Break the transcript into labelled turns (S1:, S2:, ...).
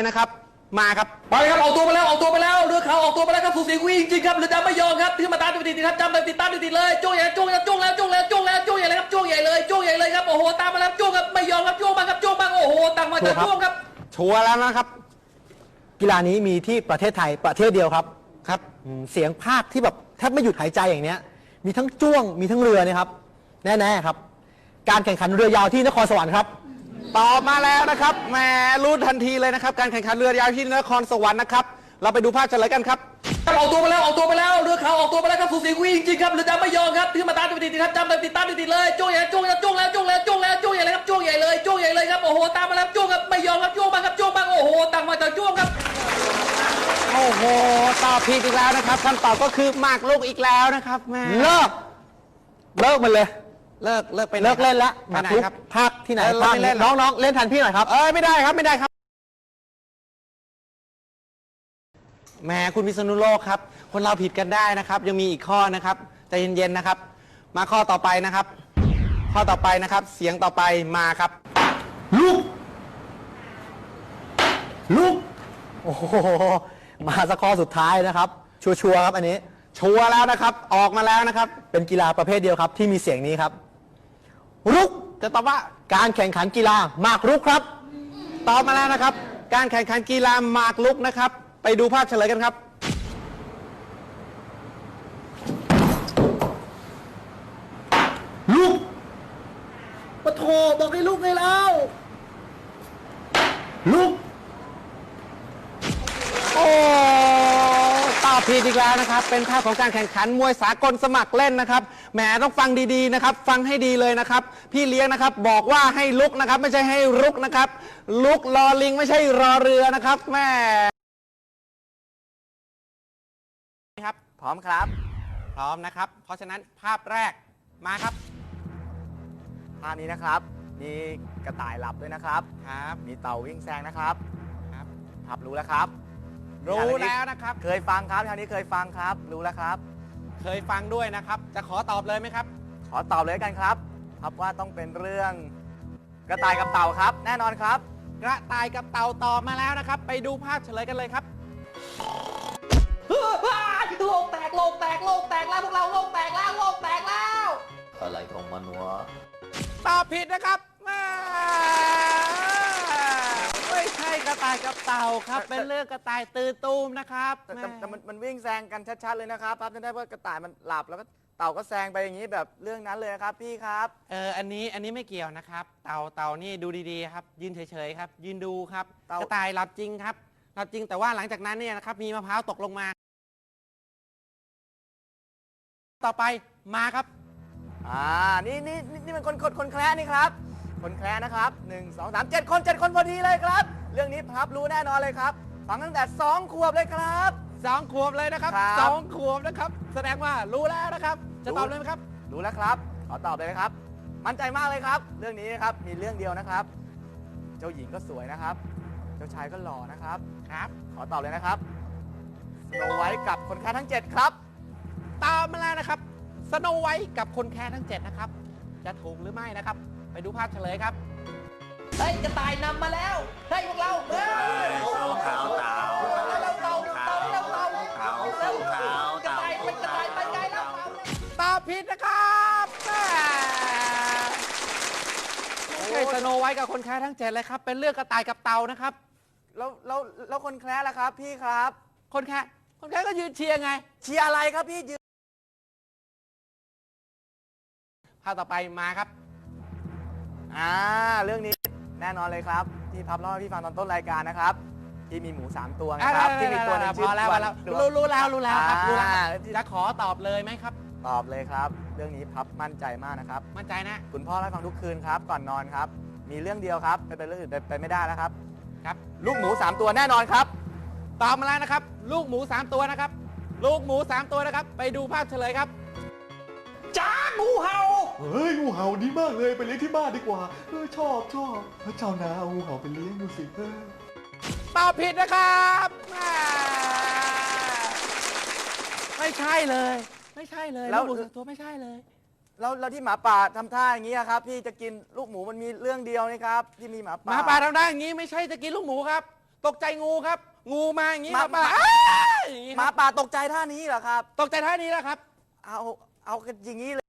S1: นะครับมาครับ
S2: ไปครับออกตัวไปแล้วเรือขาวออกตัวไปแล้วครับสูสีกุ้ยจริงๆครับเรือดำไม่ยอมครับขึ้นมาตามติดๆครับจำติดตามติดๆเลยโจ้ใหญ่โจ้ใหญ่โจ้แล้วโจ้ใหญ่เลยครับโจ้ใหญ่เลยครับโอ้โหตามมาแล้วโจ้ครับไม่ยอมครับโจ้มาครับโจ้มาโอ้โหต่างมาจากโจ้ครับ
S1: ชัวร์แล้วนะครับ
S3: กีฬานี้มีที่ประเทศไทยประเทศเดียวครับ
S1: ครับ
S3: เสียงภาคที่แบบแทบไม่หยุดหายใจอย่างเนี้ยมีทั้งจ้วงมีทั้งเรือเนี่ยครับแน่ๆครับการแข่งขันเรือยาวที่นครสวรรค์ครับ
S1: ตอบมาแล้วนะครับแหมรู้ทันทีเลยนะครับการแข่งขันเรือยาวที่นครสวรรค์นะครับเราไปดูภาพเฉลยกันครับ
S2: ออกตัวไปแล้วเรือขาวออกตัวไปแล้วครับสูสีกุ้ยจริงๆครับเรือดำไม่ยอมครับขึ้นมาตามติดๆครับจำติดตามติดๆเลยโจ้ใหญ่โจ้แล้วโจ้ใหญ่เลยครับโจ้ใหญ่เลยครับโอ้โหตามมาแล้วโจ้ครับไม่ยอมครับโจ้มาครับโจ้มาโอ้โหต่างมาจากโจ้ครับ
S1: โอ้โหตอบผิดอีกแล้วนะครับคำตอบก็คือหมากรุกอีกแล้วนะครับแม่
S3: เลิกมันเลย
S1: เลิกไป
S3: เลิกเล่นละ
S1: ไปไหนครับ
S3: ภาคที่ไหน
S1: ภาคเล่น
S3: น้องเล่นทันพี่หน่อยครับ
S1: ไม่ได้ครับแหมคุณพิษณุโลกครับคนเราผิดกันได้นะครับยังมีอีกข้อนะครับใจเย็นๆนะครับมาข้อต่อไปนะครับข้อต่อไปนะครับเสียงต่อไปมาครับ
S3: ลูกโอ้โหมาสักข้อสุดท้ายนะครับชัวร์ครับอันนี้
S1: ชัวร์แล้วนะครับออกมาแล้วนะครับ
S3: เป็นกีฬาประเภทเดียวครับที่มีเสียงนี้ครับรุก
S1: จะตอบว่า
S3: การแข่งขันกีฬาหมากรุกครับ
S1: ตอบมาแล้วนะครับการแข่งขันกีฬาหมากรุกนะครับไปดูภาพเฉลยกันครับ
S3: ลูกปะโถบอกให้ลูกเลยแล้วลูก
S1: โอ้ตอบผิดอีกแล้วนะครับเป็นภาพของการแข่งขันมวยสากลสมัครเล่นนะครับแหมต้องฟังดีๆนะครับฟังให้ดีเลยนะครับพี่เลี้ยงนะครับบอกว่าให้ลุกนะครับไม่ใช่ให้รุกนะครับลุกรอลิงไม่ใช่รอเรือนะครับแม่ครับพร้อมครับพร้อมนะครับเพราะฉะนั้นภาพแรกมาครับภาพนี้นะครับมีกระต่ายหลับด้วยนะครับมีเต่าวิ่งแซงนะครับครับรู้แล้วครับรู้แล้วนะครับเคยฟังครับทางนี้เคยฟังครับรู้แล้วครับเคยฟังด้วยนะครับจะขอตอบเลยไหมครับขอตอบเลยกันครับครับว่าต้องเป็นเรื่องกระต่ายกับเต่าครับแน่นอนครับกระต่ายกับเต่าตอบมาแล้วนะครับไปดูภาพเฉลยกันเลยครับ
S2: โลกแตกแล้วพวกเราโลกแตกแล้ว
S4: อะไรของมันวะ
S1: ตอบผิดนะครับไม่ใช่กระต่ายกับเต่าครับเป็นเรื่องกระต่ายตื่นตูมนะครับแต่มันวิ่งแซงกันชัดๆเลยนะครับจะได้ว่ากระต่ายมันหลับแล้วก็เต่าก็แซงไปอย่างนี้แบบเรื่องนั้นเลยครับพี่ครับอันนี้ไม่เกี่ยวนะครับเต่านี่ดูดีๆครับยืนเฉยๆครับยืนดูครับกระต่ายหลับจริงครับหลับจริงแต่ว่าหลังจากนั้นเนี่ยนะครับมีมะพร้าวตกลงมาต่อไปมาครับนี่มันคนแคร์นี่ครับคนแคร์นะครับ1 2 3 7 คนพอดีเลยครับเรื่องนี้พับรู้แน่นอนเลยครับฟังตั้งแต่2 ขวบเลยครับ2 ขวบเลยนะครับ2 ขวบนะครับแสดงว่ารู้แล้วนะครับจะตอบเลยไหมครับรู้แล้วครับขอตอบเลยนะครับมั่นใจมากเลยครับเรื่องนี้นะครับมีเรื่องเดียวนะครับเจ้าหญิงก็สวยนะครับเจ้าชายก็หล่อนะครับขอตอบเลยนะครับสโนไวท์กับคนแคร์ทั้ง7ครับตามมาแล้วนะครับสโนไวท์กับคนแคร์ทั้ง7นะครับจะถูกหรือไม่นะครับไปดูภาพเฉลยครับ
S2: เฮ้ยกระต่ายนำมาแล้วเฮ้ยพวกเราเฮ้ย
S4: เต่าก
S2: ระต่ายเป็นกระต่ายไปไกลแล้ว
S1: ตอบผิดนะครับไม่ใช่สโนไวท์กับคนแคร์ทั้ง7เลยครับเป็นเรื่องกระต่ายกับเต่านะครับแล้วคนแคร์ล่ะครับพี่ครับคนแคร์ก็ยืนเชียร์ไงเชียร์อะไรครับพี่ยืนภาพต่อไปมาครับเรื่องนี้แน่นอนเลยครับที่พับเล่าให้พี่ฟังตอนต้นรายการนะครับที่มีหมู3 ตัวนะครับที่มีตัวนึงชื่อรู้แล้วครับรู้แล้วจะขอตอบเลยไหมครับตอบเลยครับเรื่องนี้พับมั่นใจมากนะครับมั่นใจนะคุณพ่อเล่าให้ฟังทุกคืนครับก่อนนอนครับมีเรื่องเดียวครับเป็นเรื่องอื่นไปไม่ได้แล้วครับลูกหมู3 ตัวแน่นอนครับตอบมาแล้วนะครับลูกหมู3 ตัวนะครับลูกหมู3 ตัวนะครับไปดูภาพเฉลยครับ
S2: จ้างูเห่า
S5: เฮ้ยงูเห่าดีมากเลยไปเลี้ยงที่บ้านดีกว่าชอบพระเจ้านาเอางูเห่าไปเลี้ยงดูสิ
S1: ตอบผิดนะครับไม่ใช่เลยแล้วตัวไม่ใช่เลยแล้วที่หมาป่าทำท่าอย่างนี้ครับพี่จะกินลูกหมูมันมีเรื่องเดียวนะครับที่มีหมาป่าทำท่าอย่างนี้ไม่ใช่จะกินลูกหมูครับตกใจงูครับ งูมาอย่างนี้ครับ
S6: หมา
S1: อย่างนี้
S6: หมาป่าตกใจท่านี้เหรอครับ
S1: ตกใจท่านี้แหละครับ
S6: เอากันอย่างนี้เลย